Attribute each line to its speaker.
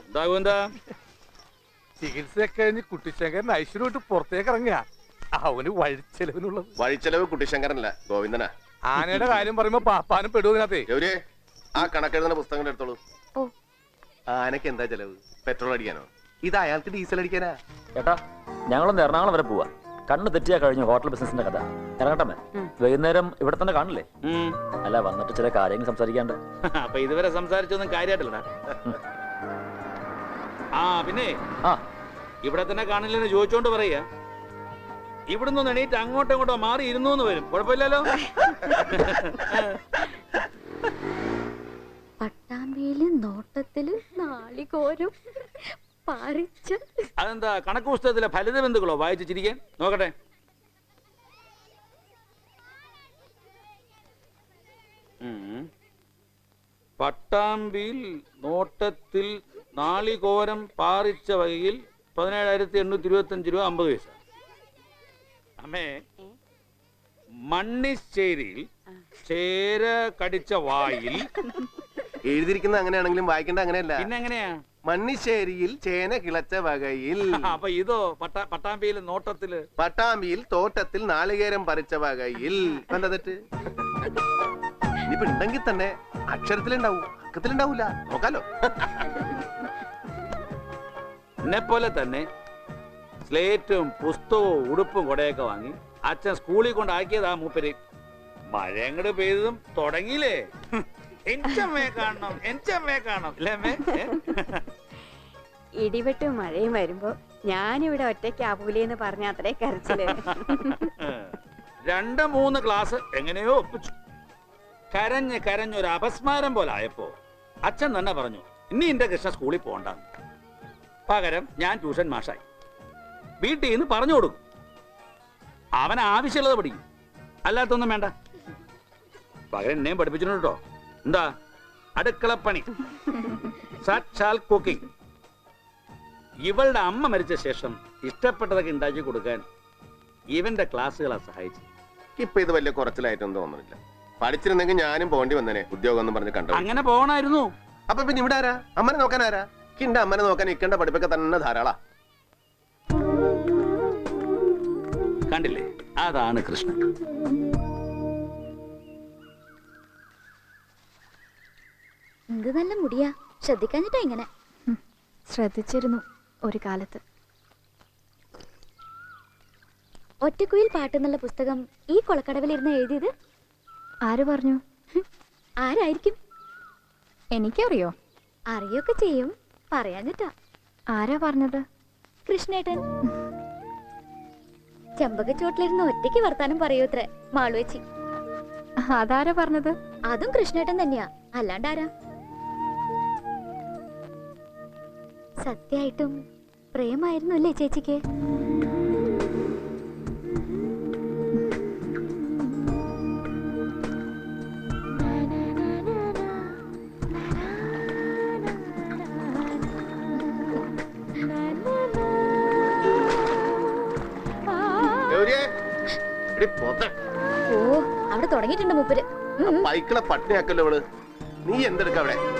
Speaker 1: എന്താ
Speaker 2: ചികിത്സയൊക്കെ കഴിഞ്ഞ് കുട്ടിശങ്കരൻ ഐശ്വര്യമായിട്ട് പുറത്തേക്ക് ഇറങ്ങിയ അവന് വഴിച്ചെലവിനുള്ളത്.
Speaker 3: വഴിച്ചെലവ് കുട്ടിശങ്കരനല്ല, ഗോവിന്ദനാ.
Speaker 2: ആനയുടെ കാര്യം പറയുമ്പോ പാപ്പാനും പെടുവതിനകത്തേ.
Speaker 3: ഗൗരിയെ, ആ കണക്കെഴുതുന്ന പുസ്തകങ്ങൾ എടുത്തോളൂ.
Speaker 4: ഓ,
Speaker 3: ആനക്ക് എന്താ ചെലവ്? പെട്രോൾ അടിക്കാനോ? ഇത് അയാൾക്ക് ഡീസൽ അടിക്കാനാ.
Speaker 5: ചേട്ടാ, ഞങ്ങളൊന്ന് എറണാകുളം വരെ പോവാ. കണ്ണ് തെറ്റിയാ കഴിഞ്ഞു ഹോട്ടൽ ബിസിനസിന്റെ കഥ. ഇറങ്ങട്ടമ്മേ, വൈകുന്നേരം ഇവിടെ തന്നെ കാണില്ലേ? അല്ല, വന്നിട്ട് ചില കാര്യങ്ങൾ സംസാരിക്കാണ്ട്.
Speaker 1: അപ്പൊ ഇതുവരെ സംസാരിച്ചൊന്നും കാര്യമായിട്ടില്ലടാ. ആ പിന്നെ ഇവിടെ തന്നെ കാണില്ലെന്ന് ചോദിച്ചോണ്ട് പറയാ. ഇവിടുന്ന് എണീറ്റ് അങ്ങോട്ടോ ഇങ്ങോട്ടോ മാറി ഇരുന്നു വരും. കുഴപ്പമില്ലല്ലോ.
Speaker 4: പട്ടാമ്പിയില് നോട്ടത്തില് നാളികോരും പറിച്ച്.
Speaker 1: അതെന്താ കണക്ക് പുസ്തകത്തിലെ ഫലിത ബന്ധുക്കളോ വായിച്ച് ചിരിക്കാൻ? നോക്കട്ടെ. പട്ടാമ്പിയിൽ നോട്ടത്തിൽ നാളികോരം പാറിച്ച വകയിൽ 17,825 രൂപ 50 പൈസ. അമ്മേ, മണ്ണിശ്ശേരിയിൽ ചേര കടിച്ച വായിൽ.
Speaker 3: എഴുതിയിരിക്കുന്ന അങ്ങനെയാണെങ്കിലും വായിക്കേണ്ട അങ്ങനെയല്ല.
Speaker 1: പിന്നെ എങ്ങനെയാ?
Speaker 3: മണ്ണിശ്ശേരിയിൽ ചേന കിളച്ച വകയിൽ.
Speaker 1: അപ്പൊ ഇതോ പട്ടാമ്പിയിൽ നോട്ടത്തില്.
Speaker 3: പട്ടാമ്പിയിൽ തോട്ടത്തിൽ നാളികേരം പറിച്ച വകയിൽ. എന്താ തെറ്റ്? ഇനിയിപ്പോ ഉണ്ടെങ്കിൽ തന്നെ അക്ഷരത്തിലുണ്ടാവും, അക്കത്തിലുണ്ടാവൂല. നോക്കാലോ.
Speaker 1: എന്നെ പോലെ തന്നെ സ്ലേറ്റും പുസ്തകവും ഉടുപ്പും കൊടയൊക്കെ വാങ്ങി അച്ഛൻ സ്കൂളിൽ കൊണ്ടാക്കിയതാ മൂപ്പര്. മഴ അങ്ങോട്ട് പെയ്തതും തുടങ്ങിയില്ലേ, എനിച്ചമ്മയെ കാണണം, എനിച്ചമ്മയെ കാണണം.
Speaker 6: ഇടിവെട്ടും മഴയും വരുമ്പോ ഞാനിവിടെ ഒറ്റയ്ക്കാവൂലെന്ന് പറഞ്ഞ അത്രേ കരച്ചില്.
Speaker 1: 2-3 ക്ലാസ് എങ്ങനെയോ ഒപ്പിച്ചു. കരഞ്ഞൊരു അപസ്മാരം പോലെ ആയപ്പോ അച്ഛൻ തന്നെ പറഞ്ഞു, ഇനി എന്റെ കൃഷ്ണ സ്കൂളിൽ പോകണ്ടെന്ന്. പകരം ഞാൻ ട്യൂഷൻ മാഷായി. വീട്ടിൽ നിന്ന് പറഞ്ഞു കൊടുക്കും. അവൻ ആവശ്യമുള്ളത് പഠിക്കും, അല്ലാത്തൊന്നും വേണ്ട. പകരം എന്നെയും പഠിപ്പിച്ചിട്ടുണ്ട് കേട്ടോ. എന്താ? അടുക്കളപ്പണി, സാക്ഷാൽ കുക്കിംഗ്. ഇവളുടെ അമ്മ മരിച്ച ശേഷം ഇഷ്ടപ്പെട്ടതൊക്കെ ഉണ്ടാക്കി കൊടുക്കാൻ ഇവന്റെ ക്ലാസ്സുകളാ സഹായിച്ചു.
Speaker 3: ഇപ്പൊ ഇത് വലിയ കുറച്ചിലായിട്ടൊന്നും തോന്നുന്നില്ല. പഠിച്ചിരുന്നെങ്കിൽ ഞാനും പോണ്ടി വന്നേനെ ഉദ്യോഗം എന്ന് പറഞ്ഞ് കണ്ടു.
Speaker 1: അങ്ങനെ പോകണമായിരുന്നു.
Speaker 3: അപ്പൊ പിന്നെ ഇവിടെ ആരാ? അമ്മനെ നോക്കാൻ ആരാ? ഇന്റെ അമ്മനെ നോക്കാൻ ഇക്കണ്ട പഠിപ്പൊക്കെ തന്നെ ധാരാളാ.
Speaker 1: കണ്ടില്ലേ, അതാണ് കൃഷ്ണൻ.
Speaker 4: എന്ത് നല്ല മുടിയാ, ശ്രദ്ധിക്കാഞ്ഞിട്ടാ ഇങ്ങനെ.
Speaker 7: ശ്രദ്ധിച്ചിരുന്നു ഒരു കാലത്ത്.
Speaker 4: ഒറ്റക്കുയിൽ പാട്ടെന്നുള്ള പുസ്തകം ഈ കൊളക്കടവിലിരുന്ന് എഴുതിയത്
Speaker 7: ആര് പറഞ്ഞു?
Speaker 4: ആരായിരിക്കും?
Speaker 7: എനിക്കറിയോ?
Speaker 4: അറിയൊക്കെ ചെയ്യും, പറയാഞ്ഞിട്ടാ.
Speaker 7: ആരാ പറഞ്ഞത്?
Speaker 4: കൃഷ്ണേട്ടൻ. ചെമ്പകച്ചോട്ടിലിരുന്ന് ഒറ്റയ്ക്ക് വർത്താനം പറയൂത്രേ മാളുവച്ചി.
Speaker 7: അതാരാ പറഞ്ഞത്?
Speaker 4: അതും കൃഷ്ണേട്ടൻ തന്നെയാ, അല്ലാണ്ടാരാ? സത്യായിട്ടും പ്രേമായിരുന്നു അല്ലേ ചേച്ചിക്ക്? ഓ, അവിടെ തുടങ്ങിയിട്ടുണ്ട് മൂപ്പര്.
Speaker 3: പൈക്കളെ പട്ടിണിയാക്കല്ലോ ഇവള്. നീ എന്തെടുക്ക അവിടെ?